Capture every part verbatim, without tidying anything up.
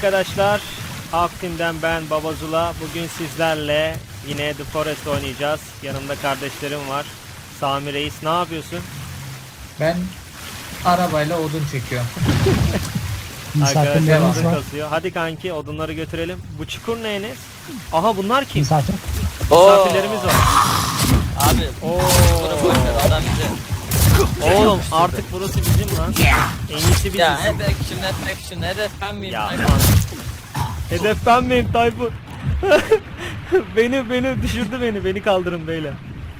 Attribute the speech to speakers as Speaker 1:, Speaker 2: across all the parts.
Speaker 1: arkadaşlar. Aktim'den ben Babazula. Bugün sizlerle yine The Forest oynayacağız. Yanımda kardeşlerim var. Sami Reis, ne yapıyorsun?
Speaker 2: Ben arabayla odun çekiyorum.
Speaker 1: Arkadaşlar odun kasıyor. Hadi kanki odunları götürelim. Bu çukur ne Enes? Aha bunlar kim?
Speaker 3: Misafir.
Speaker 1: Misafirlerimiz var.
Speaker 4: Abi.
Speaker 1: Oo.
Speaker 4: Adam bize.
Speaker 1: Oğlum artık burası bizim lan. En iyisi biziz.
Speaker 4: Ya hedef action, hedef action, hedef ben miyim?
Speaker 1: Ya aman. Hedef ben miyim Tayfun? beni beni düşürdü beni. Beni kaldırın beyler.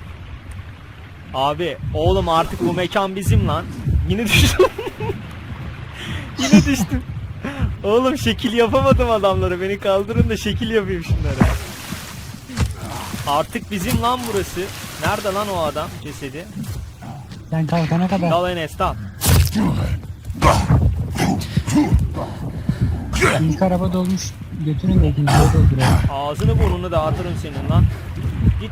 Speaker 1: Abi oğlum artık bu mekan bizim lan. Yine düştüm. Yine düştüm. Oğlum şekil yapamadım adamlara. Beni kaldırın da şekil yapayım şunlara. Artık bizim lan burası. Nerede lan o adam cesedi?
Speaker 3: Sen kalkana kadar.
Speaker 1: Dal Enes dal.
Speaker 3: İlk araba dolmuş. Götürün de ikinciye dolduralım.
Speaker 1: Ağzını burnunu dağıtırım senin lan. Git.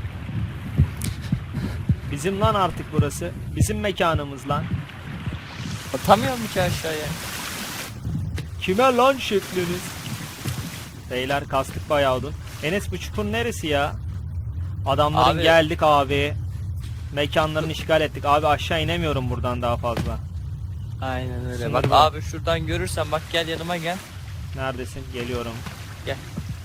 Speaker 1: Bizim lan artık burası. Bizim mekanımız lan.
Speaker 4: Atamıyorum ki aşağıya.
Speaker 1: Kime lan şekliniz? Beyler kastık bayağı odun. Enes bu çukur neresi ya? Adamların
Speaker 4: Abi.
Speaker 1: geldik abi. Mekanlarını işgal ettik. Abi aşağı inemiyorum buradan daha fazla.
Speaker 4: Aynen öyle.
Speaker 1: Sınır
Speaker 4: Bak
Speaker 1: var.
Speaker 4: abi şuradan görürsen bak gel yanıma gel.
Speaker 1: Neredesin? Geliyorum.
Speaker 4: Gel.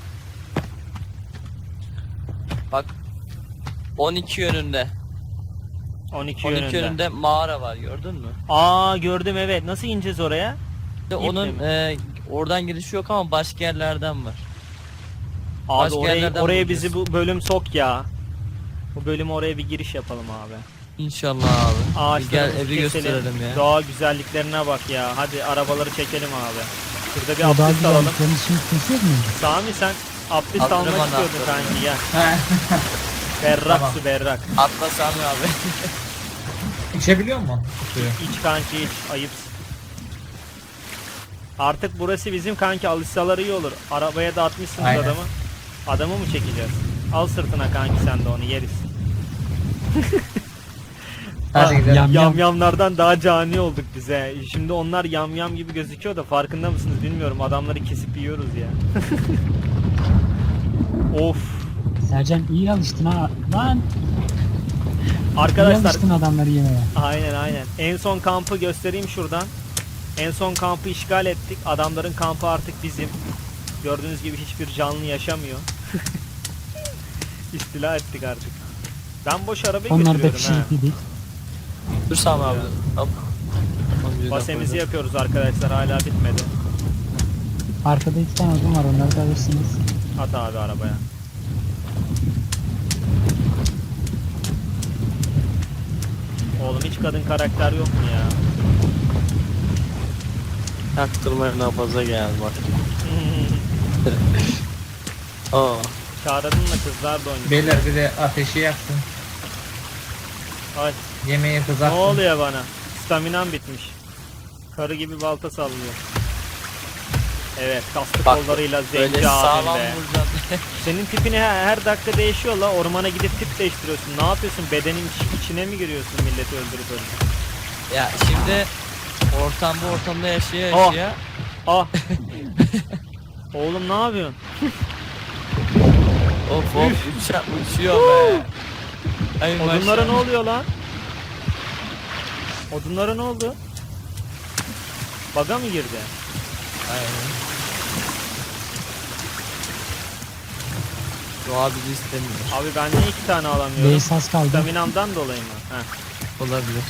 Speaker 4: Bak. on iki yönünde.
Speaker 1: on iki,
Speaker 4: on iki
Speaker 1: yönünde.
Speaker 4: yönünde mağara var gördün mü?
Speaker 1: Aa gördüm evet. Nasıl ineceğiz oraya?
Speaker 4: İşte
Speaker 1: İple
Speaker 4: onun
Speaker 1: mi?
Speaker 4: e, oradan girişi yok ama başka yerlerden var.
Speaker 1: Abi
Speaker 4: Başka
Speaker 1: orayı,
Speaker 4: yerlerden
Speaker 1: oraya
Speaker 4: bulacağız.
Speaker 1: bizi bu bölüm sok ya. Bu bölüm oraya bir giriş yapalım abi.
Speaker 4: İnşallah abi. Bir
Speaker 1: Ağaçlarımızı
Speaker 4: gel evi
Speaker 1: keselim.
Speaker 4: gösterelim ya.
Speaker 1: Doğa güzelliklerine bak ya. Hadi arabaları çekelim abi. Şurada bir
Speaker 3: O daha
Speaker 1: abdest alalım.
Speaker 3: güzelliklerini şimdi kesiyor muyuz?
Speaker 1: Sami sen abdest
Speaker 4: Alırım
Speaker 1: almak
Speaker 4: onu
Speaker 1: istiyordun
Speaker 4: atladım.
Speaker 1: kanki ya. Berrak
Speaker 2: Tamam.
Speaker 1: su berrak.
Speaker 4: Atla Sami abi.
Speaker 2: İçebiliyor musun suyu?
Speaker 1: İç kanki iç. Ayıpsın. Artık burası bizim kanki, alışsalar iyi olur. Arabaya da atmışsınız
Speaker 2: Aynen.
Speaker 1: adamı. Adamı mı çekeceğiz? Al sırtına kanki sen de onu yeriz.
Speaker 2: Hadi gidelim.
Speaker 3: Yam yam.
Speaker 1: Yamyamlardan daha cani olduk bize. Şimdi onlar yamyam gibi gözüküyor da farkında mısınız bilmiyorum. Adamları kesip yiyoruz ya. Of.
Speaker 3: Sercan iyi alıştın ha. Lan. İyi
Speaker 1: Arkadaşlar
Speaker 3: alıştın adamları yemeye.
Speaker 1: aynen aynen. En son kampı göstereyim şuradan. En son kampı işgal ettik. Adamların kampı artık bizim. Gördüğünüz gibi hiçbir canlı yaşamıyor. İstila ettik artık. Ben boş arabayı
Speaker 3: Onlar da
Speaker 1: götürüyorum ha.
Speaker 3: pişirip yedik.
Speaker 4: Dur Sami abi. Hop.
Speaker 1: Basemizi yapıyoruz arkadaşlar, hala bitmedi.
Speaker 3: Arkada iki tane odun var, onları da alırsınız.
Speaker 1: At abi arabaya. Oğlum hiç kadın karakter yok mu ya?
Speaker 4: Taktırmaya daha fazla gel bak. Aa.
Speaker 1: Çağırdın mı, kızlar da oynuyor.
Speaker 2: Beyler bir de ateşi yaksın.
Speaker 1: Ay,
Speaker 2: Yemeği
Speaker 1: ne
Speaker 2: kızartın.
Speaker 1: oluyor bana? Staminam bitmiş. Karı gibi balta sallıyor. Evet, kaslı
Speaker 4: Bak,
Speaker 1: kollarıyla
Speaker 4: Böyle
Speaker 1: zenci abim
Speaker 4: sağlam
Speaker 1: be.
Speaker 4: vuracaksın.
Speaker 1: Senin tipini her, her dakika değişiyor la. Ormana gidip tip değiştiriyorsun. Ne yapıyorsun? Bedenin iç- içine mi giriyorsun milleti öldürüp öldürüp?
Speaker 4: Ya şimdi ortam bu ortamda yaşaya
Speaker 1: Oh.
Speaker 4: yaşaya.
Speaker 1: Ah! Oğlum ne yapıyorsun?
Speaker 4: Of of uça, uçuyor be. Ay
Speaker 1: Odunlara ne
Speaker 4: maşallah.
Speaker 1: oluyor lan? Odunlara ne oldu? Baga mı girdi?
Speaker 4: Aynen. Doğa bizi istemiyor.
Speaker 1: Abi ben niye iki tane alamıyorum?
Speaker 3: Base az kaldı.
Speaker 1: Staminamdan dolayı mı? Heh.
Speaker 4: Olabilir.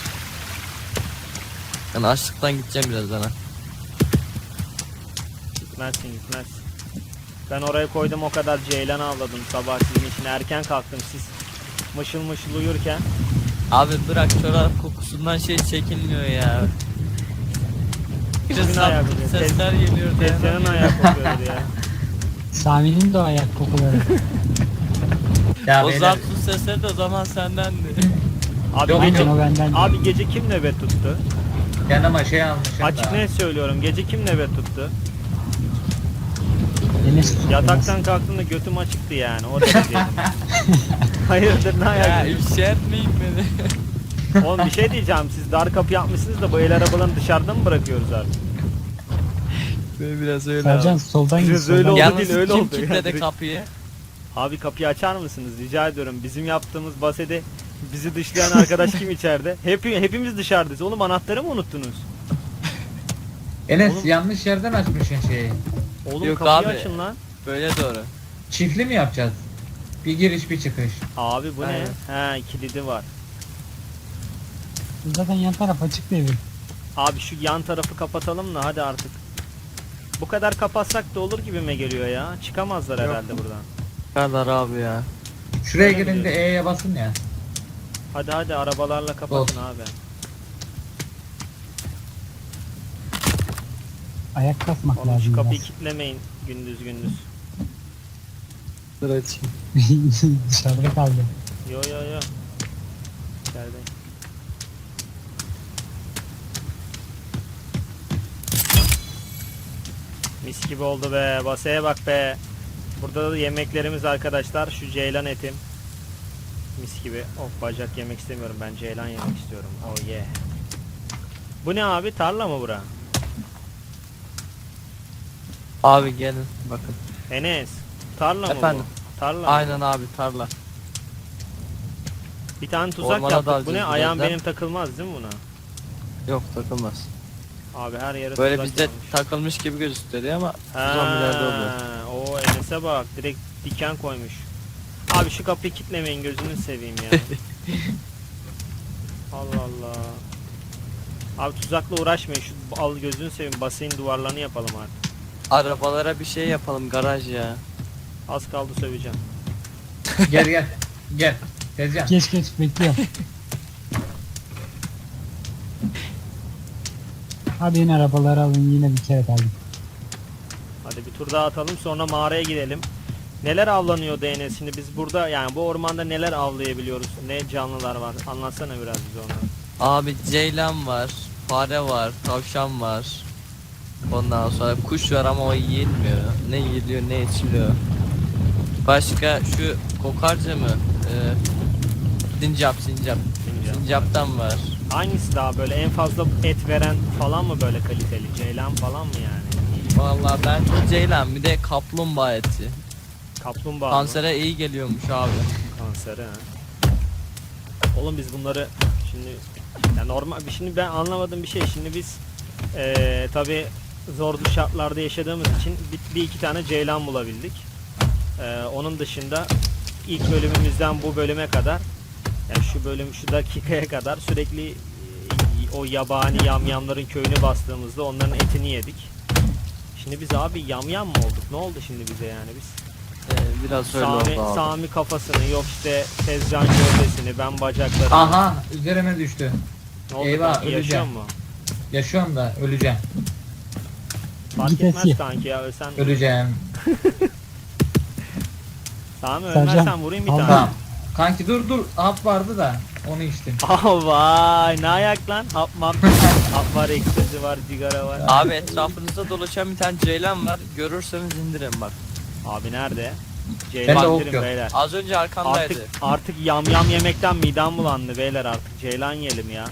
Speaker 4: Ben açlıktan gideceğim birazdan ha.
Speaker 1: Gitmezsin gitmezsin. Ben oraya koydum, o kadar ceylan avladım sabah sizin için. Erken kalktım siz mışıl mışıl uyurken.
Speaker 4: Abi bırak çorap kokusundan şey çekilmiyor ya.
Speaker 1: Kimin
Speaker 4: Kırısal
Speaker 1: ayağı kokuyor?
Speaker 4: sesler geliyor.
Speaker 1: Tezcan'ın ayağı kokuyordu ya.
Speaker 3: Sami'nin de o ayak kokuları.
Speaker 2: Ya
Speaker 4: O
Speaker 2: beyler,
Speaker 4: zaptun sesleri de o zaman sendendi.
Speaker 1: Abi
Speaker 2: Yok,
Speaker 1: gece,
Speaker 3: Aynen o benden.
Speaker 1: abi gece kim nöbet tuttu?
Speaker 2: yanıma şey almışım
Speaker 1: Açık
Speaker 2: da.
Speaker 1: net söylüyorum, gece kim nöbet tuttu?
Speaker 3: Enes tut.
Speaker 1: Yataktan kalktığımda götüm açıktı yani, o derece. Hayırdır ne
Speaker 4: Ya
Speaker 1: ayak?
Speaker 4: ifşa etmeyin beni.
Speaker 1: Oğlum bir şey diyeceğim, siz dar kapı yapmışsınız da bu el arabalarını dışarıda mı bırakıyoruz artık?
Speaker 4: Biraz öyle
Speaker 3: Sercan
Speaker 4: abi.
Speaker 3: soldan git.
Speaker 1: Biraz öyle
Speaker 3: soldan
Speaker 1: oldu.
Speaker 3: git.
Speaker 4: Yalnız
Speaker 1: değil, öyle
Speaker 4: kim
Speaker 1: oldu
Speaker 4: kilitledi
Speaker 1: yani.
Speaker 4: kapıyı?
Speaker 1: Abi kapıyı açar mısınız rica ediyorum. Bizim yaptığımız basede bizi dışlayan arkadaş kim içeride? Hep, hepimiz dışarıdayız. Oğlum anahtarı mı unuttunuz?
Speaker 2: Enes
Speaker 1: Oğlum-
Speaker 2: yanlış yerden açmışsın şeyi.
Speaker 1: Oğlum
Speaker 4: Yok
Speaker 1: kapıyı
Speaker 4: abi.
Speaker 1: açın lan.
Speaker 4: Böyle doğru.
Speaker 2: Çiftli mi yapacağız? Bir giriş bir çıkış.
Speaker 1: Abi bu
Speaker 4: Aynen.
Speaker 1: ne? He kilidi var.
Speaker 3: Zaten yan taraf açık devir.
Speaker 1: Abi şu yan tarafı kapatalım da hadi artık. Bu kadar kapatsak da olur gibime geliyor ya. Çıkamazlar
Speaker 2: Yok.
Speaker 1: herhalde buradan.
Speaker 4: Kadar abi ya.
Speaker 2: Şuraya
Speaker 1: Öyle
Speaker 2: girin de
Speaker 1: biliyorum.
Speaker 2: E'ye basın ya.
Speaker 1: Hadi hadi arabalarla kapatın abi.
Speaker 3: Ayak basmak
Speaker 1: Oğlum şu
Speaker 3: lazım
Speaker 1: kapıyı
Speaker 3: biraz.
Speaker 1: kilitlemeyin gündüz gündüz.
Speaker 4: Dur açayım.
Speaker 3: Dışarıda kaldı.
Speaker 1: Yo yo yo. İçerideyim. Mis gibi oldu be. Basaya bak be. Burada da yemeklerimiz arkadaşlar. Şu ceylan etim. Mis gibi. Of bacak yemek istemiyorum. Ben ceylan yemek istiyorum. Oh yeah. Bu ne abi? Tarla mı bura?
Speaker 4: Abi gelin bakın.
Speaker 1: Enes. Tarla mı
Speaker 4: Efendim?
Speaker 1: bu? Tarla mı?
Speaker 4: Aynen abi tarla.
Speaker 1: Bir tane tuzak
Speaker 4: Ormana
Speaker 1: yaptık. Bu
Speaker 4: dalacağız
Speaker 1: ne? Ayağım
Speaker 4: birazdan.
Speaker 1: benim takılmaz değil mi buna?
Speaker 4: Yok takılmaz.
Speaker 1: Abi her yere
Speaker 4: Böyle
Speaker 1: tuzak
Speaker 4: bizde
Speaker 1: yapmış.
Speaker 4: takılmış gibi gözüküyor ama
Speaker 1: Ha,
Speaker 4: zombilerde oluyor.
Speaker 1: o Enes'e bak direkt diken koymuş. Abi şu kapıyı kilitlemeyin gözünü seveyim ya. Allah Allah. Abi tuzakla uğraşmayın şu al gözünü seveyim basayım duvarlarını yapalım artık.
Speaker 4: Arabalara bir şey yapalım garaj ya.
Speaker 1: Az kaldı söveceğim.
Speaker 2: Gel gel. Gel. Tezcan.
Speaker 3: Geç geç bekliyorum. Hadi yine arabaları alın yine bir kere kaldım.
Speaker 1: Hadi bir tur daha atalım sonra mağaraya gidelim. Neler avlanıyor D N S? Şimdi biz burada yani bu ormanda neler avlayabiliyoruz? Ne canlılar var? Anlatsana biraz bize onları.
Speaker 4: Abi ceylan var, fare var, tavşan var. Ondan sonra kuş var ama o yiyilmiyor. Ne yiyiliyor ne içiliyor. Başka şu kokarca mı? Ee, sincap sincap.
Speaker 1: Sincap.
Speaker 4: Sincaptan var.
Speaker 1: Hangisi daha böyle en fazla et veren falan mı böyle kaliteli? Ceylan falan mı yani?
Speaker 4: Vallahi ben ceylan bir de kaplumbağa eti.
Speaker 1: Kaplumbağa mı?
Speaker 4: Kansere iyi geliyormuş abi.
Speaker 1: Kanseri ha. Oğlum biz bunları şimdi ya normal şimdi ben anlamadığım bir şey. Şimdi biz eee tabi zorlu şartlarda yaşadığımız için bir, bir iki tane ceylan bulabildik. Eee, onun dışında ilk bölümümüzden bu bölüme kadar yani şu bölüm şu dakikaya kadar sürekli e, o yabani yamyamların köyünü bastığımızda onların etini yedik. Şimdi biz abi yamyam mı olduk? Ne oldu şimdi bize yani biz?
Speaker 4: Ee, biraz öyle
Speaker 1: Sami,
Speaker 4: oldu abi.
Speaker 1: Sami kafasını yok işte Tezcan gövdesini ben bacaklarını.
Speaker 2: Aha üzerime düştü.
Speaker 1: Ne oldu
Speaker 2: eyvah,
Speaker 1: kanki, yaşıyor
Speaker 2: öleceğim.
Speaker 1: mu?
Speaker 2: Yaşıyorum da öleceğim.
Speaker 1: Fark
Speaker 3: Git
Speaker 1: etmez
Speaker 3: eski.
Speaker 1: kanki ya ölsen.
Speaker 2: Öleceğim.
Speaker 1: Sami
Speaker 3: Sercan,
Speaker 1: ölmezsen vurayım bir
Speaker 3: al
Speaker 1: tane.
Speaker 2: Tamam. Kanki dur dur. Hap vardı da onu içtim.
Speaker 1: Ah vay ne ayak lan hap map. Hap var ekstezi var sigara var.
Speaker 4: Abi etrafınızda dolaşan bir tane ceylan var. Görürseniz indirin bak.
Speaker 1: Abi nerede?
Speaker 2: Ben de
Speaker 1: Ceylan
Speaker 2: ok
Speaker 1: indirin
Speaker 2: yok.
Speaker 1: beyler.
Speaker 4: Az önce arkamdaydı.
Speaker 1: Artık artık yam yam yemekten midem bulandı beyler artık ceylan yiyelim ya.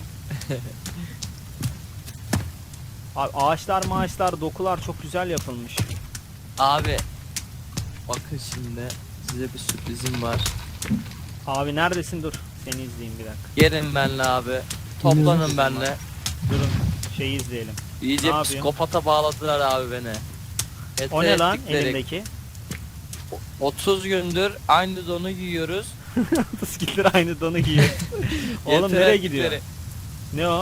Speaker 1: Abi ağaçlar maaşlar dokular çok güzel yapılmış.
Speaker 4: Abi bakın şimdi size bir sürprizim var.
Speaker 1: Abi neredesin dur seni izleyeyim bir dakika.
Speaker 4: Gelin benle abi. Toplanın benle.
Speaker 1: Durun şeyi izleyelim.
Speaker 4: İyice
Speaker 1: Ne yapıyorsun?
Speaker 4: psikopata bağladılar abi beni.
Speaker 1: O ne lan
Speaker 4: Ettikleri-
Speaker 1: elindeki?
Speaker 4: otuz gündür aynı donu giyiyoruz.
Speaker 1: Skiller aynı donu giyiyor. Oğlum
Speaker 4: Yeter
Speaker 1: nereye
Speaker 4: ettikleri-
Speaker 1: gidiyor? Ne o?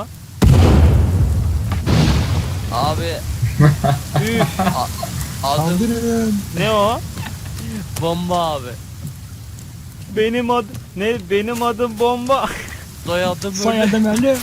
Speaker 4: Abi
Speaker 1: Üf,
Speaker 4: adım
Speaker 3: Kaldırın.
Speaker 1: ne o?
Speaker 4: bomba abi.
Speaker 1: Benim adım ne? Benim adım bomba.
Speaker 4: Soyadım böyle
Speaker 3: Soyadım ölüm.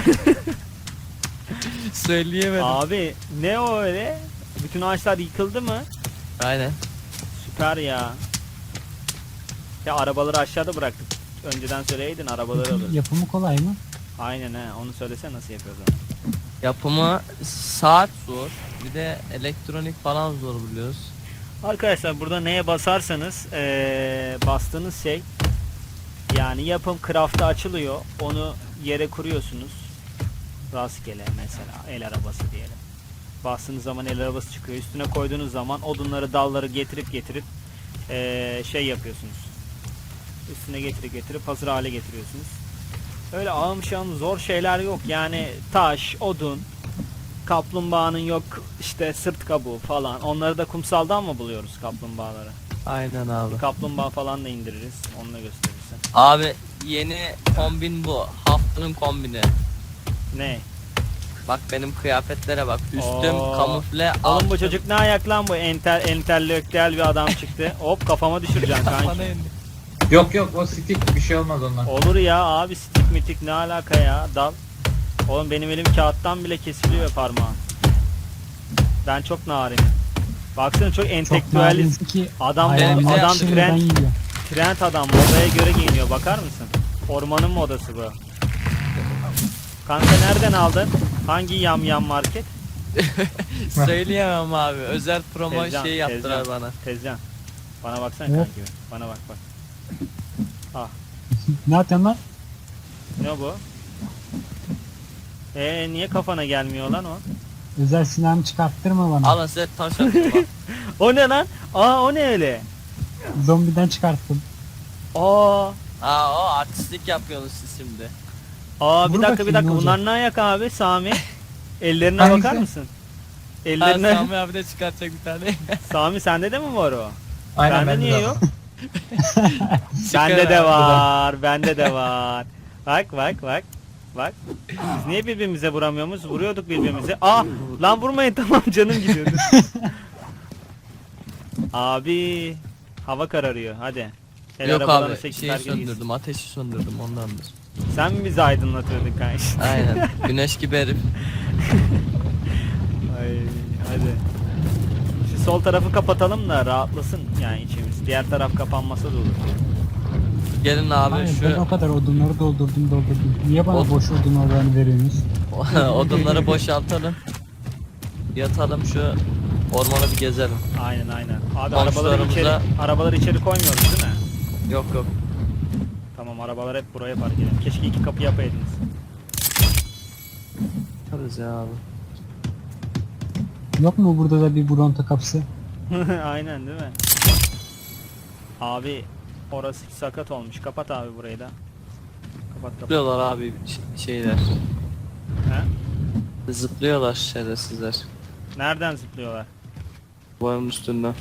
Speaker 4: söyleyemedim.
Speaker 1: Abi ne o öyle? Bütün ağaçlar yıkıldı mı?
Speaker 4: Aynen.
Speaker 1: Süper ya. Ya arabaları aşağıda bıraktık. Önceden söyleydin arabaları alır.
Speaker 3: Yapımı kolay mı?
Speaker 1: Aynen he. Onu söylesene nasıl yapıyoruz.
Speaker 4: Yapımı saat zor. Bir de elektronik falan zor biliyoruz.
Speaker 1: Arkadaşlar burada neye basarsanız ee, bastığınız şey yani yapım craft'ta açılıyor. Onu yere kuruyorsunuz. Rastgele mesela el arabası diyelim. Bastığınız zaman el arabası çıkıyor. Üstüne koyduğunuz zaman odunları, dalları getirip getirip ee, şey yapıyorsunuz. Üstüne getirip getirip hazır hale getiriyorsunuz. Öyle ağım şağım zor şeyler yok. Yani taş, odun, kaplumbağanın yok işte sırt kabuğu falan. Onları da kumsaldan mı buluyoruz kaplumbağaları?
Speaker 4: Aynen abi.
Speaker 1: Kaplumbağa falan da indiririz. Onu da gösterirsen.
Speaker 4: Abi yeni kombin bu. Haftanın kombini.
Speaker 1: Ne?
Speaker 4: Bak benim kıyafetlere bak. Üstüm
Speaker 1: Oo.
Speaker 4: kamufle.
Speaker 1: Oğlum
Speaker 4: altım-
Speaker 1: bu çocuk ne ayak lan bu? Entel, entelektüel bir adam çıktı. Hop kafama düşüreceksin
Speaker 4: Bana
Speaker 1: kanki.
Speaker 4: indi.
Speaker 2: Yok yok o stick bir şey olmaz ondan.
Speaker 1: Olur ya abi, stik mitik ne alaka ya, dal. Oğlum benim elim kağıttan bile kesiliyor parmağım. Ben çok narinim. Baksana çok
Speaker 3: Çok
Speaker 1: entelektüeliz.
Speaker 3: narinsin ki
Speaker 1: Adam
Speaker 3: hayalini
Speaker 4: adam
Speaker 3: şimdiden
Speaker 1: trend,
Speaker 3: yiyor.
Speaker 1: trend adam, modaya göre giyiniyor, bakar mısın? Ormanın modası bu. Kanka nereden aldın? Hangi yam yam market?
Speaker 4: Söyleyemem abi. Özel promo
Speaker 1: Tezcan,
Speaker 4: şey yaptılar
Speaker 1: Tezcan.
Speaker 4: bana.
Speaker 1: Tezcan. Bana baksana
Speaker 3: Hop.
Speaker 1: kanki. Bana bak bak. Ah,
Speaker 3: Ne yapıyorsun lan?
Speaker 1: ne bu? Ee niye kafana gelmiyor lan o?
Speaker 3: Özel silahımı çıkarttırma bana.
Speaker 4: Alın size taş atayım bak.
Speaker 1: O ne lan? Aa o ne öyle?
Speaker 3: Zombiden çıkarttım.
Speaker 1: Aa.
Speaker 4: Aa o artistlik yapıyorsunuz siz şimdi.
Speaker 1: Aa bir
Speaker 3: Vur
Speaker 1: dakika bir
Speaker 3: bakayım,
Speaker 1: dakika.
Speaker 3: ne
Speaker 1: Bunlar ne ayak abi Sami? Ellerine
Speaker 2: Hangisi?
Speaker 1: bakar mısın?
Speaker 4: Ha,
Speaker 1: Ellerine.
Speaker 4: Sami abi de çıkartacak bir tane.
Speaker 1: Sami sende de mi var o?
Speaker 2: Aynen
Speaker 1: Bende
Speaker 2: ben de
Speaker 1: niye
Speaker 2: zaten.
Speaker 1: yok?
Speaker 4: Çıkar
Speaker 1: Bende de
Speaker 4: abi.
Speaker 1: var. Bende de var. Bak bak bak. Bak. Biz niye birbirimize vuramıyoruz? Vuruyorduk birbirimize. Aa lan vurmayın, tamam canım gidiyordu. Abi hava kararıyor hadi. El
Speaker 4: Yok
Speaker 1: arabalarına
Speaker 4: abi
Speaker 1: sekiz
Speaker 4: şeyi
Speaker 1: herkes gitsin.
Speaker 4: söndürdüm. Ateşi söndürdüm ondandır.
Speaker 1: Sen mi bizi aydınlatıyordun kanka?
Speaker 4: Aynen. Güneş gibi herif.
Speaker 1: Ay hadi. Şu sol tarafı kapatalım da rahatlasın yani içimiz. Diğer taraf kapanmasa da olur.
Speaker 4: Gelin abi
Speaker 3: Hayır, ben o
Speaker 4: şu
Speaker 3: kadar odunları doldurdum doldurdum. Niye bana
Speaker 4: Od-
Speaker 3: boş odun oranı veriyorsunuz?
Speaker 4: odunları boşaltalım. Yatalım şu ormanı bir gezelim.
Speaker 1: Aynen aynen. Abi arabaları
Speaker 4: Komşularımıza-
Speaker 1: içeri, arabaları içeri koymuyoruz değil mi?
Speaker 4: Yok yok.
Speaker 1: Tamam, arabalar hep buraya park edelim. Keşke iki kapı yapaydınız.
Speaker 4: Yaparız ya abi.
Speaker 3: Yok mu burada da bir Bronto kapısı?
Speaker 1: Aynen değil mi? Abi orası sakat olmuş. Kapat abi burayı da. Kapat kapat.
Speaker 4: Zıplıyorlar abi ş- şeyler.
Speaker 1: He?
Speaker 4: Zıplıyorlar şerefsizler.
Speaker 1: Nereden zıplıyorlar?
Speaker 4: Boyun üstünden.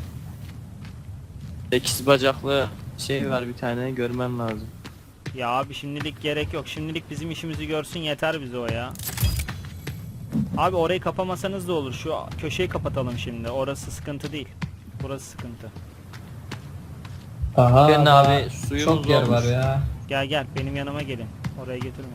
Speaker 4: Sekiz bacaklı şey var bir tane görmen lazım.
Speaker 1: Ya abi şimdilik gerek yok. Şimdilik bizim işimizi görsün yeter bize o ya. Abi orayı kapamasanız da olur. Şu köşeyi kapatalım şimdi. Orası sıkıntı değil. Burası sıkıntı.
Speaker 2: Aha,
Speaker 4: Gelin
Speaker 2: daha
Speaker 4: abi, suyumuz
Speaker 2: çok yer
Speaker 4: olmuş.
Speaker 2: var ya.
Speaker 1: Gel gel benim yanıma gelin. Oraya getirmeyin.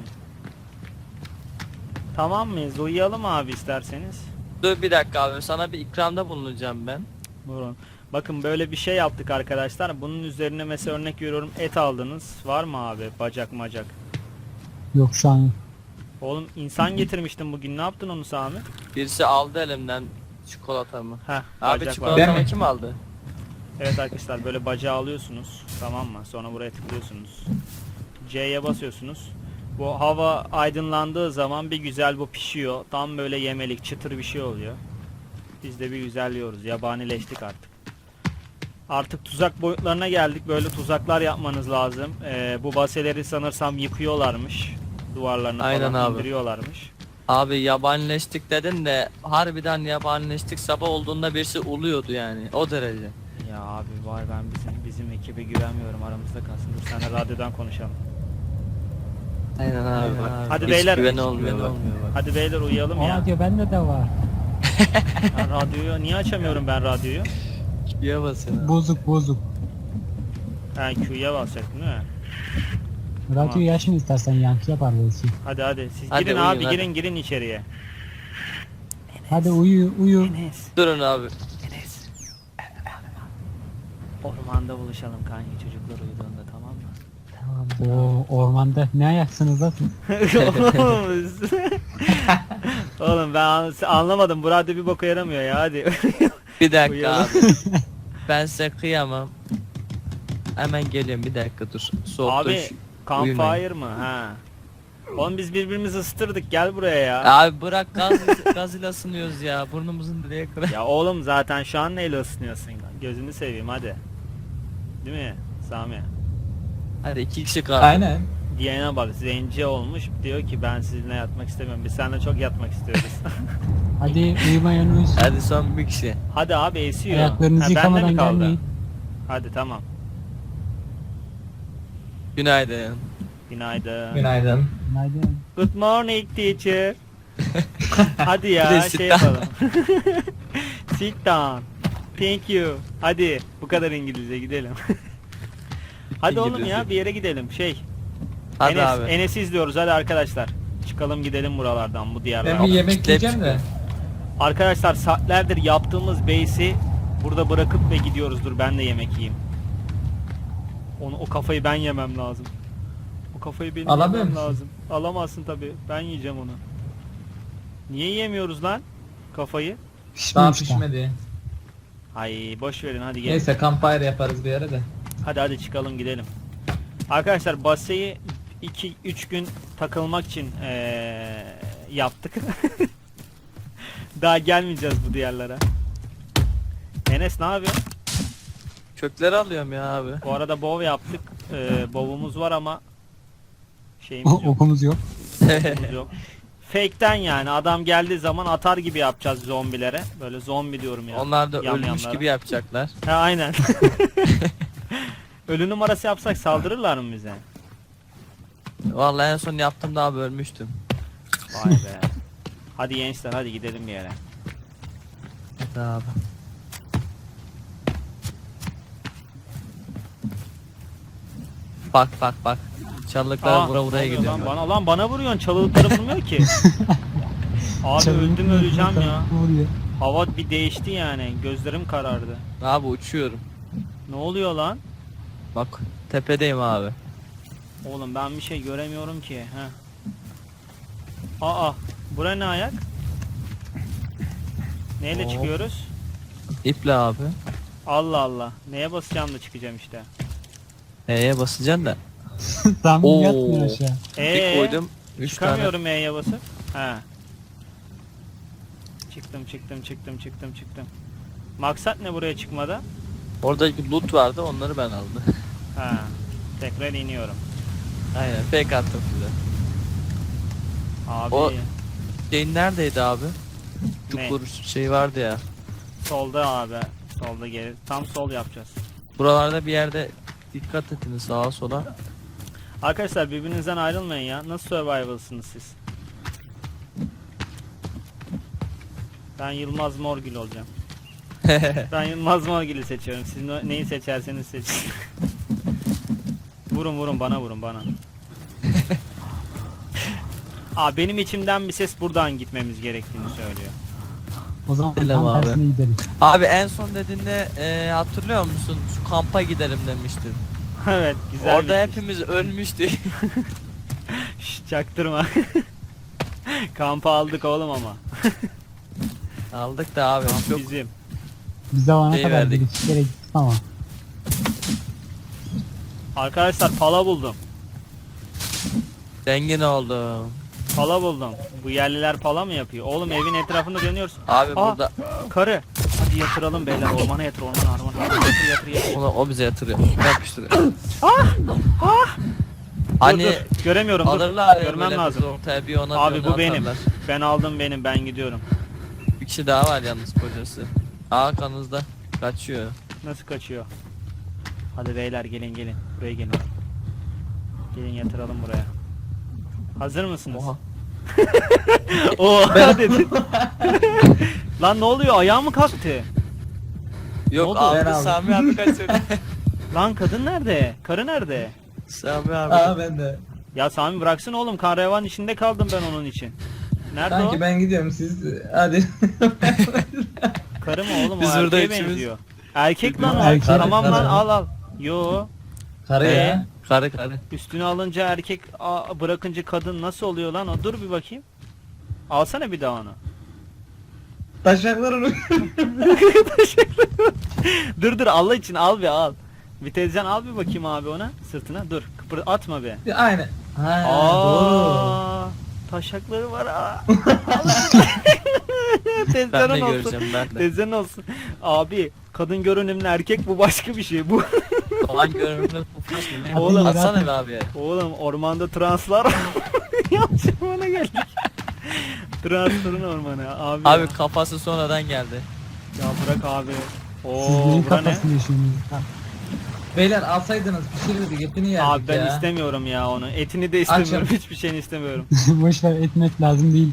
Speaker 1: Tamam mıyız? Uyuyalım abi isterseniz.
Speaker 4: Dur bir dakika abi sana bir ikramda bulunacağım ben.
Speaker 1: Buyurun. Bakın böyle bir şey yaptık arkadaşlar. Bunun üzerine mesela örnek veriyorum et aldınız. Var mı abi bacak macak?
Speaker 3: Yok şu an.
Speaker 1: Oğlum insan getirmiştin bugün. Ne yaptın onu Sami?
Speaker 4: Birisi aldı elimden çikolatamı.
Speaker 1: Heh,
Speaker 4: Abi
Speaker 1: bacak var.
Speaker 4: çikolatamı
Speaker 2: Ben mi?
Speaker 4: kim aldı?
Speaker 1: Evet arkadaşlar böyle bacağı alıyorsunuz. Tamam mı? Sonra buraya tıklıyorsunuz. C'ye basıyorsunuz. Bu hava aydınlandığı zaman bir güzel bu pişiyor. Tam böyle yemelik çıtır bir şey oluyor. Biz de bir güzel yiyoruz. Yabanileştik artık. Artık tuzak boyutlarına geldik. Böyle tuzaklar yapmanız lazım. Ee, bu baseleri sanırsam yıkıyorlarmış. Duvarlarını
Speaker 4: Aynen
Speaker 1: falan
Speaker 4: abi.
Speaker 1: indiriyorlarmış.
Speaker 4: Abi yabanileştik dedin de harbiden yabanileştik, sabah olduğunda birisi uluyordu yani o derece.
Speaker 1: Ya abi var, ben bizim bizim ekibe güvenmiyorum, aramızda kalsın. Dur seninle radyodan konuşalım.
Speaker 4: Aynen abi. bak.
Speaker 1: Hadi
Speaker 4: Hiç
Speaker 1: beyler.
Speaker 4: güven
Speaker 1: hiç
Speaker 4: olmuyor
Speaker 1: güven
Speaker 4: bak.
Speaker 1: olmuyor bak. Hadi beyler uyuyalım ya.
Speaker 3: Aa diyor bende de var.
Speaker 1: Ben radyoyu niye açamıyorum ben radyoyu?
Speaker 4: Şuraya basın abi.
Speaker 3: Bozuk bozuk.
Speaker 1: Ha Q'ya basacaktım değil mi?
Speaker 3: Radyoyu açma istersen yankı yapar belki.
Speaker 1: Hadi hadi siz
Speaker 4: Hadi
Speaker 1: girin
Speaker 4: uyuyun,
Speaker 1: abi,
Speaker 4: hadi.
Speaker 1: girin girin içeriye.
Speaker 3: Hadi uyu uyu.
Speaker 1: Enes,
Speaker 4: Durun abi.
Speaker 1: Enes. Ormanda buluşalım kanki, çocuklar uyuduğunda, tamam mı?
Speaker 3: Tamam. Oo ormanda ne ayaksınız lan siz?
Speaker 1: Oğlum ben an- anlamadım, bu radyo bir boka yaramıyor ya, hadi.
Speaker 4: Bir dakika
Speaker 1: Uyuyalım.
Speaker 4: abi. Ben size kıyamam. Hemen geliyorum bir dakika dur. Soğukta
Speaker 1: Abi
Speaker 4: şu-
Speaker 1: campfire
Speaker 4: uyumayın.
Speaker 1: mı? Ha. Oğlum biz birbirimizi ısıtırdık, gel buraya ya.
Speaker 4: Abi bırak gaz gaz ile ısınıyoruz ya. Burnumuzun direğe kadar.
Speaker 1: Ya oğlum zaten şu an neyle ısınıyorsun? Gözünü seveyim hadi. Değil mi Sami?
Speaker 4: Hadi iki kişi kaldı.
Speaker 2: Aynen.
Speaker 1: Diyene bak, zenci olmuş, diyor ki ben sizinle yatmak istemiyorum. Biz seninle çok yatmak istiyoruz.
Speaker 3: Hadi uyumayan uyusun.
Speaker 4: Hadi son bir kişi.
Speaker 1: Hadi abi esiyor.
Speaker 3: Ayaklarınızı
Speaker 1: Ha, bende mi
Speaker 3: yıkamadan
Speaker 1: kaldı?
Speaker 3: gelmeyin.
Speaker 1: Hadi tamam.
Speaker 4: Günaydın.
Speaker 1: Günaydın.
Speaker 2: Günaydın.
Speaker 3: Günaydın.
Speaker 1: Good morning teacher. Hadi
Speaker 4: Bir de
Speaker 1: ya
Speaker 4: sit
Speaker 1: şey
Speaker 4: down.
Speaker 1: yapalım. Sit down. Thank you. Hadi bu kadar İngilizce gidelim. Hadi oğlum ya
Speaker 4: İngilizce.
Speaker 1: bir yere gidelim. Şey.
Speaker 4: Hadi
Speaker 1: Enes,
Speaker 4: abi.
Speaker 1: Enes'i izliyoruz hadi arkadaşlar. Çıkalım gidelim buralardan, bu
Speaker 2: Ben
Speaker 1: diyarlardan.
Speaker 2: bir yemek
Speaker 4: kitle
Speaker 2: yiyeceğim de.
Speaker 1: Arkadaşlar saatlerdir yaptığımız base'i burada bırakıp ve gidiyoruz. Dur ben de yemek yiyeyim. Onu, o kafayı ben yemem lazım. O kafayı benim
Speaker 2: Alamıyor
Speaker 1: yemem
Speaker 2: musun?
Speaker 1: lazım. Alamazsın tabi. Ben yiyeceğim onu. Niye yiyemiyoruz lan kafayı?
Speaker 2: Daha
Speaker 3: Pişmemiş daha.
Speaker 2: pişmedi.
Speaker 1: Ay boş verin hadi gelin.
Speaker 2: Neyse campfire yaparız bir yere de.
Speaker 1: Hadi hadi çıkalım gidelim. Arkadaşlar baseyi iki üç gün takılmak için eee, yaptık. Daha gelmeyeceğiz bu diyarlara. Enes ne yapıyorsun?
Speaker 4: Kökleri alıyorum ya abi.
Speaker 1: Bu arada bov yaptık. Ee, bovumuz var ama şeyimiz yok.
Speaker 3: Okumuz yok.
Speaker 1: okumuz yok. Fake'ten yani adam geldiği zaman atar gibi yapacağız zombilere. Böyle zombi diyorum ya.
Speaker 4: Onlar da ölmüş
Speaker 1: yamyamlara.
Speaker 4: gibi yapacaklar.
Speaker 1: Ha aynen. Ölü numarası yapsak saldırırlar mı bize?
Speaker 4: Vallahi en son yaptığımda abi ölmüştüm.
Speaker 1: Vay be. Hadi gençler hadi gidelim bir yere.
Speaker 4: Hadi abi. Bak bak bak. Çalılıklar
Speaker 1: Aa,
Speaker 4: vura
Speaker 1: ne
Speaker 4: vuraya
Speaker 1: oluyor
Speaker 4: gidiyor.
Speaker 1: Lan bana, lan bana vuruyorsun, çalılıkları vurmuyor ki. Abi
Speaker 3: Çalın-
Speaker 1: öldüm öleceğim ya.
Speaker 3: Ne oluyor?
Speaker 1: Hava bir değişti yani. Gözlerim karardı.
Speaker 4: Abi uçuyorum.
Speaker 1: Ne oluyor lan?
Speaker 4: Bak tepedeyim abi.
Speaker 1: Oğlum ben bir şey göremiyorum ki. Heh. Aa, bura ne ayak? Neyle
Speaker 4: Hop.
Speaker 1: çıkıyoruz?
Speaker 4: İple abi.
Speaker 1: Allah Allah. Neye basacağım da çıkacağım işte.
Speaker 4: E'ye basacaksın da.
Speaker 3: Sami
Speaker 4: Oo.
Speaker 3: yatmıyor aşağı.
Speaker 4: Bir
Speaker 1: Ee,
Speaker 4: koydum. üç tane.
Speaker 1: çıkamıyorum E'ye basıp. He. Çıktım çıktım çıktım çıktım çıktım. Maksat ne buraya çıkmada?
Speaker 4: Orada loot vardı onları ben aldım.
Speaker 1: He. Tekrar iniyorum.
Speaker 4: Aynen fake attım size.
Speaker 1: Abi
Speaker 4: O- Şeyin neredeydi abi?
Speaker 1: Ne?
Speaker 4: Çukur şey vardı ya.
Speaker 1: solda abi. Solda geri. Tam sol yapacağız.
Speaker 4: Buralarda bir yerde dikkat edin sağa sola.
Speaker 1: Arkadaşlar birbirinizden ayrılmayın ya. Nasıl survival'sınız siz? Ben Yılmaz Morgül olacağım. Ben Yılmaz Morgül'ü seçiyorum. Siz ne- neyi seçerseniz seçin. Vurun vurun bana vurun bana. Aa benim içimden bir ses buradan gitmemiz gerektiğini söylüyor.
Speaker 3: O zaman
Speaker 4: Selam
Speaker 3: tam
Speaker 4: abi.
Speaker 3: tersine gideriz.
Speaker 4: Abi en son dediğinde e, hatırlıyor musun? Şu kampa gidelim demiştin.
Speaker 1: Evet güzel.
Speaker 4: Orada
Speaker 1: bir-
Speaker 4: hepimiz ölmüştük.
Speaker 1: Şşş, çaktırma. Kampı aldık oğlum ama.
Speaker 4: Aldık da abi
Speaker 1: Kamp
Speaker 4: çok
Speaker 1: bizim.
Speaker 3: Biz zamana
Speaker 4: Şey
Speaker 3: kadar
Speaker 4: verdik.
Speaker 3: bir iki kere gittik ama.
Speaker 1: Arkadaşlar pala buldum.
Speaker 4: zengin oldum.
Speaker 1: Pala buldum. Bu yerliler pala mı yapıyor? Oğlum evin etrafında dönüyoruz.
Speaker 4: Abi
Speaker 1: Aa.
Speaker 4: burada
Speaker 1: Karı. Hadi yatıralım beyler. Ormana yatır, ormana, ormana. Yatır, yatır, yatır.
Speaker 4: onu, o bize yatırıyor. Yapıştırıyor.
Speaker 1: Dur,
Speaker 4: Hani
Speaker 1: dur. Göremiyorum. Dur.
Speaker 4: alırlar ya
Speaker 1: Görmem
Speaker 4: böyle
Speaker 1: lazım.
Speaker 4: bizi ortaya bir ona
Speaker 1: Abi
Speaker 4: bir
Speaker 1: bu
Speaker 4: ona
Speaker 1: benim.
Speaker 4: atarlar.
Speaker 1: Ben aldım benim. Ben gidiyorum.
Speaker 4: Bir kişi daha var yalnız kocası. Arkanızda kaçıyor.
Speaker 1: Nasıl kaçıyor? Hadi beyler gelin gelin. Buraya gelin. Gelin yatıralım buraya. Hazır mısınız?
Speaker 4: Oha.
Speaker 1: Oha dedin. Lan ne oluyor? Ayağım mı kalktı?
Speaker 4: Yok
Speaker 1: oldu?
Speaker 4: abi
Speaker 2: Ben aldım.
Speaker 4: Sami abi kaçırdı.
Speaker 1: Lan kadın nerede? Karı nerede?
Speaker 4: Sami abi.
Speaker 2: Aa ben de.
Speaker 1: Ya Sami bıraksın oğlum. Karavan içinde kaldım ben onun için. Nerede
Speaker 2: Sanki
Speaker 1: o?
Speaker 2: ben gidiyorum siz hadi.
Speaker 1: Karı mı oğlum?
Speaker 4: Biz
Speaker 1: o
Speaker 4: burada
Speaker 1: erkeğe
Speaker 4: üçümüz-
Speaker 1: benziyor. Erkek lan o.
Speaker 3: Erkek.
Speaker 1: Tamam lan
Speaker 2: Karı.
Speaker 1: al al. Yo.
Speaker 2: Karı
Speaker 1: Ee?
Speaker 2: ya.
Speaker 4: Karı karı.
Speaker 1: Üstüne alınca erkek, a- bırakınca kadın nasıl oluyor lan o? Dur bir bakayım. Alsana bir daha onu.
Speaker 2: Taşaklarını.
Speaker 1: Dur dur Allah için al bir al. Bir teyzen al bir bakayım abi ona sırtına. Dur kıpır atma be.
Speaker 2: Aynen. Ha doğru.
Speaker 1: Aa, taşakları var ha.
Speaker 4: Ben de
Speaker 1: Tezcan olsun.
Speaker 4: göreceğim ben de.
Speaker 1: Tezcan olsun. Abi kadın görünümlü erkek bu başka bir şey bu.
Speaker 4: Falan görünümlü pufmuş mu?
Speaker 1: Oğlum,
Speaker 4: Atsana be abi.
Speaker 1: Oğlum ormanda translar yanlış ormana geldik. Transların ormanı abi.
Speaker 4: Abi
Speaker 1: ya.
Speaker 4: kafası sonradan geldi.
Speaker 1: Ya bırak abi.
Speaker 3: Siz
Speaker 1: Oo
Speaker 3: neyin
Speaker 1: bura ne?
Speaker 3: kafasını yaşıyorsunuz?
Speaker 2: Beyler alsaydınız pişirirdik etini yerdik
Speaker 1: Abi ben
Speaker 2: ya.
Speaker 1: istemiyorum ya onu. Etini de istemiyorum. Hiçbir şeyini istemiyorum.
Speaker 3: Boş ver, etmek lazım değil.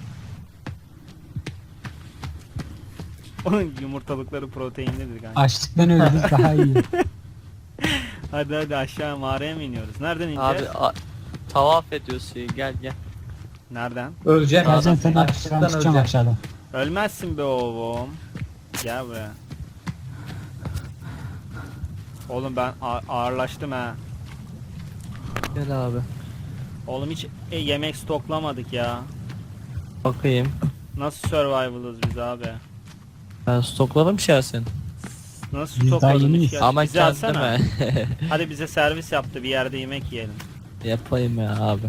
Speaker 1: Onun yumurtalıkları proteinlidir kanka.
Speaker 3: Açlıktan ölürüz daha iyi.
Speaker 1: Hadi hadi aşağı mağaraya mı iniyoruz? Nereden ineceğiz?
Speaker 4: Abi a- tavaf ediyorsun gel gel.
Speaker 1: Nereden?
Speaker 2: Öleceğim.
Speaker 3: Geleceğim seni
Speaker 2: Açlıktan
Speaker 3: açtıktan çıkacağım
Speaker 2: öleceğim.
Speaker 3: aşağıdan.
Speaker 1: Ölmezsin be oğlum. Gel buraya. Oğlum ben a- ağırlaştım ha.
Speaker 4: Gel abi.
Speaker 1: Oğlum hiç e, yemek stoklamadık ya.
Speaker 4: Bakayım.
Speaker 1: Nasıl survival'ız biz abi?
Speaker 4: Ben stokladım şahsen.
Speaker 1: Nasıl
Speaker 3: Biz daha
Speaker 1: stokladık
Speaker 3: yeniyiz.
Speaker 1: ya?
Speaker 4: Ama
Speaker 1: Bize atsana.
Speaker 4: kendime
Speaker 1: Hadi bize servis yaptı bir yerde yemek yiyelim.
Speaker 4: yapayım ya abi.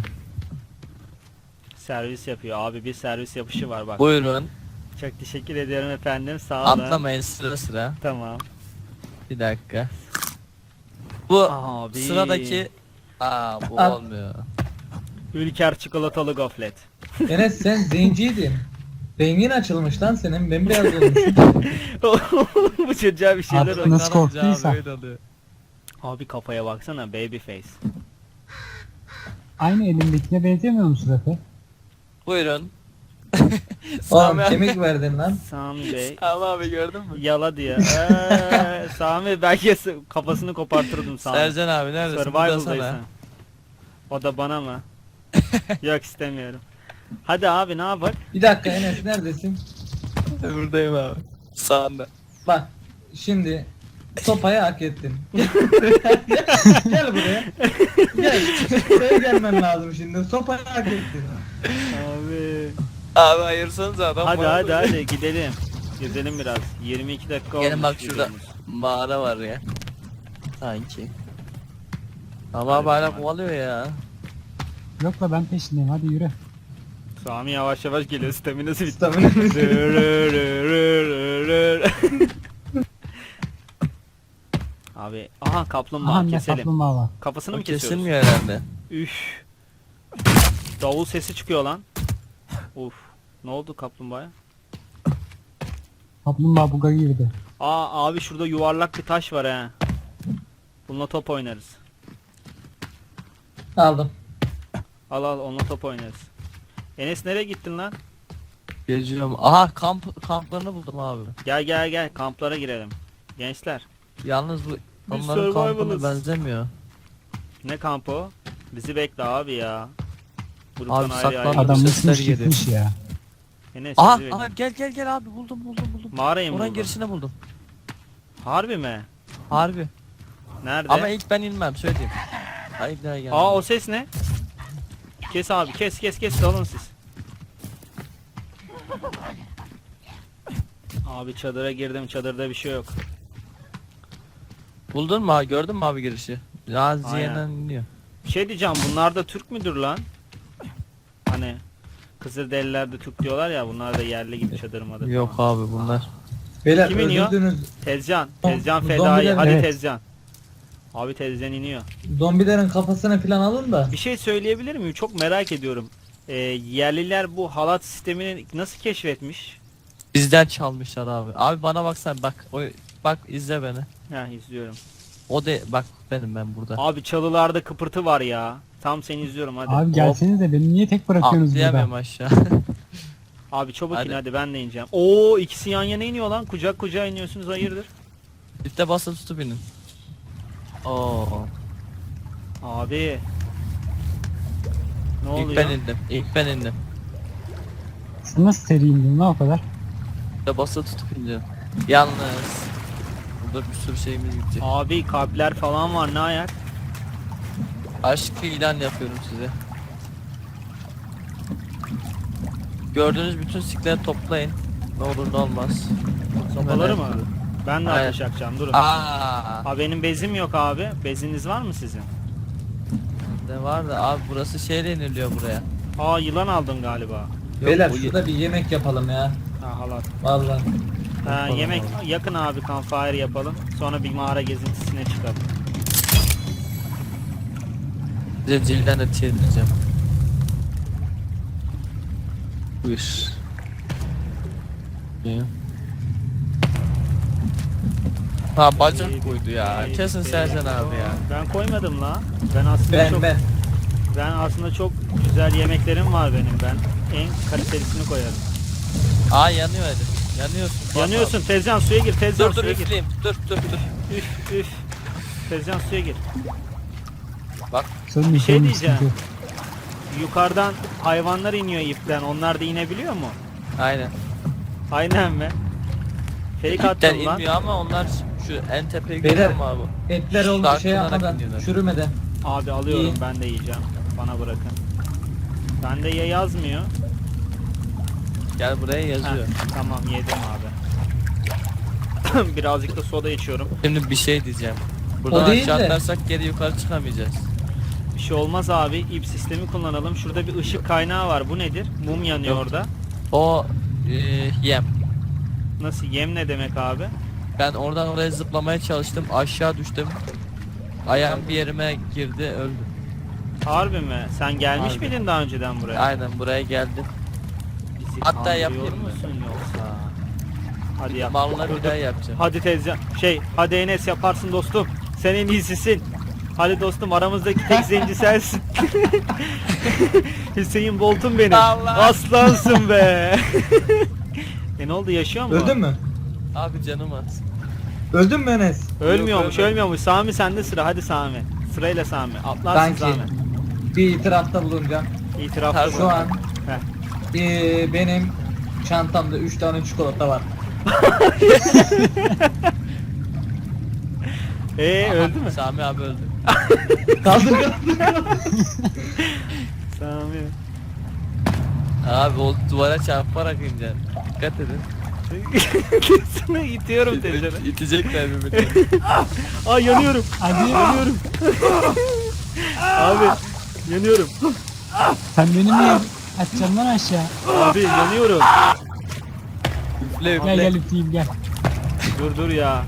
Speaker 1: Servis yapıyor abi, bir servis yapışı var bak.
Speaker 4: Buyurun.
Speaker 1: Çok teşekkür ediyorum efendim, sağ olun.
Speaker 4: Atlamayın sıra sıra.
Speaker 1: Tamam.
Speaker 4: Bir dakika. Bu
Speaker 1: Abi.
Speaker 4: sıradaki aa bu
Speaker 2: At.
Speaker 4: olmuyor.
Speaker 1: Ülker çikolatalı goflet.
Speaker 2: Enes sen zenciydin. Rengin açılmış lan senin. Bembeyaz olmuş.
Speaker 1: Bu çocuğa bir şeyler
Speaker 3: Abi,
Speaker 1: oluyor.
Speaker 3: nasıl korktuysa.
Speaker 4: Böyle oluyor.
Speaker 1: Abi kafaya baksana, baby face.
Speaker 3: Aynı elimdekine benzemiyor musun Efe?
Speaker 4: Buyurun.
Speaker 2: Oğlum
Speaker 4: Sami abi.
Speaker 2: kemik verdin lan.
Speaker 1: Sami Bey.
Speaker 4: Sami abi gördün mü?
Speaker 1: Yala diye. Eee, Sami belki s- kafasını kopartırdım Sami.
Speaker 4: Sercan abi neredesin?
Speaker 1: Survival'daysın.
Speaker 4: Buradasana.
Speaker 1: O da bana mı? Yok istemiyorum. Hadi abi ne yapak?
Speaker 2: Bir dakika Enes neredesin?
Speaker 4: Buradayım abi. Sağında.
Speaker 2: Bak şimdi sopayı hak ettin. Gel buraya. Gel. Buraya gelmen lazım şimdi. Sopayı hak ettin.
Speaker 1: Abi.
Speaker 4: Abi ayırsanız adam.
Speaker 1: Hadi
Speaker 4: bana
Speaker 1: hadi
Speaker 4: bakıyor.
Speaker 1: hadi gidelim. Gezelim biraz. yirmi iki dakika olmuş.
Speaker 4: Gelin bak şurada
Speaker 1: videomuz.
Speaker 4: mağara var ya. Sanki. Ama abi hala kovalıyor ya.
Speaker 3: Yok la ben peşindeyim, hadi yürü.
Speaker 1: Sami yavaş yavaş geliyor. Staminası bitti.
Speaker 2: Staminası.
Speaker 1: Abi aha kaplumbağa
Speaker 3: Aha ne
Speaker 1: keselim.
Speaker 3: kaplumbağa var.
Speaker 1: Kafasını
Speaker 4: O
Speaker 1: mı kesiyoruz?
Speaker 4: kesilmiyor herhalde.
Speaker 1: Üf. Davul sesi çıkıyor lan. Uf. Ne oldu kaplumbağaya?
Speaker 3: Kaplumbağa buga girdi.
Speaker 1: Aa abi şurada yuvarlak bir taş var ha. Bununla top oynarız.
Speaker 2: Aldım.
Speaker 1: Al al onunla top oynarız. Enes nereye gittin lan?
Speaker 4: Geziyorum. Aha kamp kamplarını buldum abi.
Speaker 1: Gel gel gel kamplara girelim. Gençler.
Speaker 4: Yalnız bu
Speaker 1: Biz
Speaker 4: onların kampına
Speaker 1: survival'ız.
Speaker 4: benzemiyor.
Speaker 1: Ne kampı o? Bizi bekle abi ya. Gruptan
Speaker 4: Abi
Speaker 1: ayrı
Speaker 4: saklan.
Speaker 1: ayrı.
Speaker 4: Adam-
Speaker 3: Adam
Speaker 4: sesler
Speaker 3: mısmış
Speaker 4: geliyor.
Speaker 3: gitmiş ya.
Speaker 1: Enes
Speaker 4: Aha,
Speaker 1: bizi bekle.
Speaker 4: aha gel gel gel abi buldum buldum buldum.
Speaker 1: Mağarayı mı
Speaker 4: Oranın
Speaker 1: buldun?
Speaker 4: girişine buldum.
Speaker 1: Harbi mi?
Speaker 4: Harbi.
Speaker 1: Nerede?
Speaker 4: Ama ilk ben inmem söyleyeyim. Hayır daha geldim.
Speaker 1: Aa o ses ne? Kes abi kes kes kes dalın siz. Abi çadıra girdim, çadırda bir şey yok.
Speaker 4: Buldun mu abi? Gördün mü abi girişi? Ya Ziye'den iniyor.
Speaker 1: Bir şey diyeceğim, bunlar da Türk müdür lan? Hani Kızılderililer de Türk diyorlar ya, bunlar da yerli gibi çadır madır
Speaker 4: Yok
Speaker 1: falan.
Speaker 4: abi bunlar.
Speaker 2: Beyler
Speaker 1: Kim iniyor?
Speaker 2: öldürdünüz.
Speaker 1: Tezcan,
Speaker 2: Zom-
Speaker 1: Tezcan
Speaker 2: zombiler
Speaker 1: fedai,
Speaker 2: mi?
Speaker 1: hadi
Speaker 3: Evet.
Speaker 1: Tezcan. Abi Tezcan iniyor.
Speaker 2: Zombilerin kafasını falan alın da.
Speaker 1: Bir şey söyleyebilir miyim? Çok merak ediyorum. Ee, yerliler bu halat sistemini nasıl keşfetmiş?
Speaker 4: Bizden çalmışlar abi. Abi bana baksana bak. O bak izle beni.
Speaker 1: Ha izliyorum.
Speaker 4: O de bak benim ben burada.
Speaker 1: Abi çalılarda kıpırtı var ya. Tam seni izliyorum hadi.
Speaker 3: Abi gelsenize, beni niye tek bırakıyorsunuz
Speaker 4: Atlayamıyorum
Speaker 3: burada?
Speaker 4: aşağı.
Speaker 1: Abi çabuk in
Speaker 4: Hadi.
Speaker 1: hadi ben de ineceğim. Oo ikisi yan yana iniyor lan. Kucak kucağa iniyorsunuz, hayırdır?
Speaker 4: Lifte basıp tutup inin. Oo.
Speaker 1: Abi. Ne
Speaker 4: İlk
Speaker 1: oluyor?
Speaker 4: ben indim. İlk ben indim.
Speaker 3: Sen nasıl seri indin lan o kadar?
Speaker 4: Lifte basıp tutup indim. Yalnız. Burada bir sürü şeyimiz gitti.
Speaker 1: Abi kalpler falan var, ne ayak?
Speaker 4: Aşk ilan yapıyorum size. Gördüğünüz bütün sikleri toplayın. Ne olur ne olmaz.
Speaker 1: Sopaları mı? Ben de
Speaker 4: Aynen.
Speaker 1: ateş yakacağım, durun.
Speaker 4: Aa.
Speaker 1: Abi benim bezim yok abi. Beziniz var mı sizin?
Speaker 4: bende var da abi burası şeyle iniliyor buraya.
Speaker 1: Aa yılan aldın galiba.
Speaker 4: Yok,
Speaker 2: Beyler
Speaker 4: bu ye-
Speaker 2: şurada bir yemek yapalım ya.
Speaker 1: Ha halat.
Speaker 2: Vallahi.
Speaker 1: Ha,
Speaker 2: Yapalım
Speaker 1: yemek
Speaker 2: vallahi.
Speaker 1: yakın abi, campfire yapalım. Sonra bir mağara gezintisine çıkalım.
Speaker 4: Size cilden de çevireceğim. Buyur. Ya. Ha bacak koydu ya. Kesin Sercan abi ya.
Speaker 1: Ben koymadım la. Ben aslında
Speaker 2: Ben
Speaker 1: çok
Speaker 2: ben.
Speaker 1: ben aslında çok güzel yemeklerim var benim. Ben en kalitelisini koyarım.
Speaker 4: Aa yanıyor hadi. Yanıyorsun. Bak
Speaker 1: Yanıyorsun Tezcan, suya gir
Speaker 4: abi.
Speaker 1: Tezcan,
Speaker 4: Dur dur
Speaker 1: suya gir.
Speaker 4: üfleyeyim. Dur dur dur.
Speaker 1: Üf üf. Tezcan suya gir.
Speaker 4: Bak
Speaker 3: Sorun
Speaker 1: Bir
Speaker 3: yok,
Speaker 1: şey
Speaker 3: sorun yok,
Speaker 1: diyeceğim.
Speaker 3: sıkıntı yok.
Speaker 1: Yukarıdan hayvanlar iniyor ipten. Onlar da inebiliyor mu?
Speaker 4: aynen.
Speaker 1: Aynen mi? Fake
Speaker 4: İpten
Speaker 1: attım lan.
Speaker 4: inmiyor ama onlar şu en tepeye
Speaker 2: Beyler,
Speaker 4: gidiyor mu abi?
Speaker 2: Etler oldu
Speaker 4: Dark
Speaker 2: şey
Speaker 4: kullanarak
Speaker 2: yapmadan,
Speaker 4: iniyorlar.
Speaker 2: çürümeden.
Speaker 1: Abi alıyorum,
Speaker 2: İyi.
Speaker 1: ben de yiyeceğim. Bana bırakın. Bende ya yazmıyor.
Speaker 4: Gel buraya
Speaker 1: Heh,
Speaker 4: yazıyor.
Speaker 1: tamam yedim abi. Birazcık da soda içiyorum.
Speaker 4: Şimdi bir şey diyeceğim. Buradan
Speaker 2: değil
Speaker 4: aşağı
Speaker 2: de-
Speaker 4: atlarsak geri yukarı çıkamayacağız.
Speaker 1: Bir şey olmaz abi. İp sistemi kullanalım. Şurada bir ışık kaynağı var. Bu nedir? Mum yanıyor
Speaker 4: Yok.
Speaker 1: orada.
Speaker 4: O e, yem.
Speaker 1: Nasıl? Yem ne demek abi?
Speaker 4: Ben oradan oraya zıplamaya çalıştım. Aşağı düştüm. Ayağım bir yerime girdi öldüm.
Speaker 1: Harbi mi? Sen gelmiş
Speaker 4: Harbi.
Speaker 1: miydin daha önceden buraya?
Speaker 4: Aynen buraya geldim.
Speaker 1: Bizi
Speaker 4: Hatta
Speaker 1: kandırıyor
Speaker 4: yapayım mı?
Speaker 1: musun yoksa? Hadi yap.
Speaker 4: Malları
Speaker 1: Dur,
Speaker 4: bir
Speaker 1: dur.
Speaker 4: daha yapacağım.
Speaker 1: Hadi teyze. Şey, hadi Enes yaparsın dostum. Sen en iyisisin. Hadi dostum, aramızdaki tek zenci sensin. Hüseyin Bolt'un benim.
Speaker 4: Allah.
Speaker 1: Aslansın be. e ne oldu, yaşıyor mu?
Speaker 2: Öldün mü?
Speaker 4: Abi canım az.
Speaker 2: Öldün mü Enes?
Speaker 1: Ölmüyormuş,
Speaker 4: Yok,
Speaker 1: ölmüyormuş. Sami sende sıra. Hadi Sami. Sırayla Sami. Atlarsın
Speaker 2: Sanki
Speaker 1: Sami.
Speaker 2: bir itirafta bulunacağım.
Speaker 1: İtirafta
Speaker 4: Şu
Speaker 1: bu.
Speaker 2: Şu an
Speaker 1: Heh.
Speaker 2: eee, benim çantamda üç tane çikolata var.
Speaker 1: Ee
Speaker 4: Aha,
Speaker 1: öldü mü?
Speaker 4: Sami abi öldü.
Speaker 2: Kaldır kaldır.
Speaker 1: Sami.
Speaker 4: Abi o duvara çarparak ineceksin. Dikkat edin.
Speaker 1: Sana itiyorum teyzene.
Speaker 4: İtecekler birbirini.
Speaker 1: Aa yanıyorum.
Speaker 3: Hadi
Speaker 1: Yanıyorum. Abi yanıyorum.
Speaker 3: sen beni niye atacaksın lan aşağı?
Speaker 1: Abi yanıyorum.
Speaker 4: Üfle
Speaker 3: Gel
Speaker 4: üfle.
Speaker 3: gel üfleyeyim gel.
Speaker 1: Dur dur ya.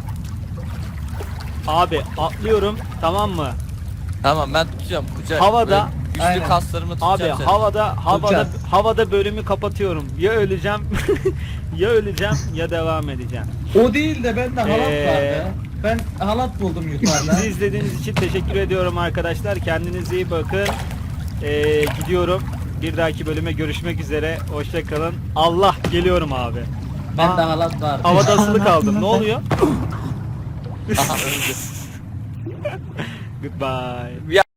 Speaker 1: Abi atlıyorum, tamam mı?
Speaker 4: Tamam ben tutacağım. Kucak.
Speaker 1: Havada-
Speaker 4: Böyle güçlü
Speaker 2: Aynen.
Speaker 4: kaslarımı
Speaker 1: Abi
Speaker 4: tutacağım seni.
Speaker 1: havada havada
Speaker 2: Tutacağız.
Speaker 1: havada bölümü kapatıyorum. Ya öleceğim ya öleceğim ya devam edeceğim.
Speaker 2: O değil de bende halat
Speaker 1: Ee,
Speaker 2: vardı. Ben halat buldum yukarıda.
Speaker 1: Bizi izlediğiniz için teşekkür ediyorum arkadaşlar. Kendinize iyi bakın. Ee, gidiyorum. Bir dahaki bölüme görüşmek üzere. Hoşça kalın. Allah, geliyorum abi.
Speaker 2: Bende
Speaker 1: Aa,
Speaker 2: halat vardı.
Speaker 1: havada asılı kaldım. Ne oluyor?
Speaker 4: Aha öldü.
Speaker 1: Goodbye.
Speaker 4: Ya